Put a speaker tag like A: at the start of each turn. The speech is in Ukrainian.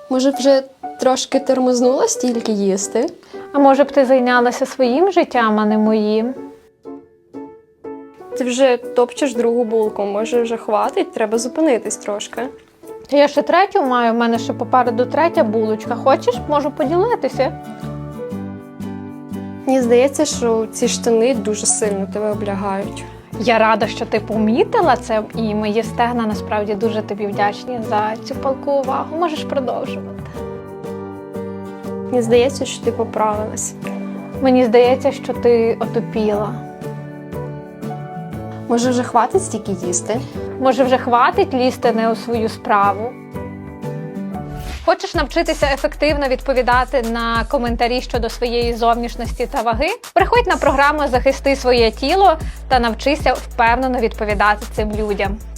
A: Може, вже трошки тормознула стільки їсти?
B: А може б ти зайнялася своїм життям, а не моїм?
A: Ти вже топчеш другу булку, може вже хватить, треба зупинитись трошки.
B: Та я ще третю маю, в мене ще попереду третя булочка. Хочеш, можу поділитися?
A: Мені здається, що ці штани дуже сильно тебе облягають.
B: Я рада, що ти помітила це, і мої стегна насправді дуже тобі вдячні за цю палку увагу. Можеш продовжувати.
A: Мені здається, що ти поправилась.
B: Мені здається, що ти отупіла.
A: Може вже хватить стільки їсти?
B: Може, вже хватить лізти не у свою справу? Хочеш навчитися ефективно відповідати на коментарі щодо своєї зовнішності та ваги? Приходь на програму «Захисти своє тіло» та навчися впевнено відповідати цим людям.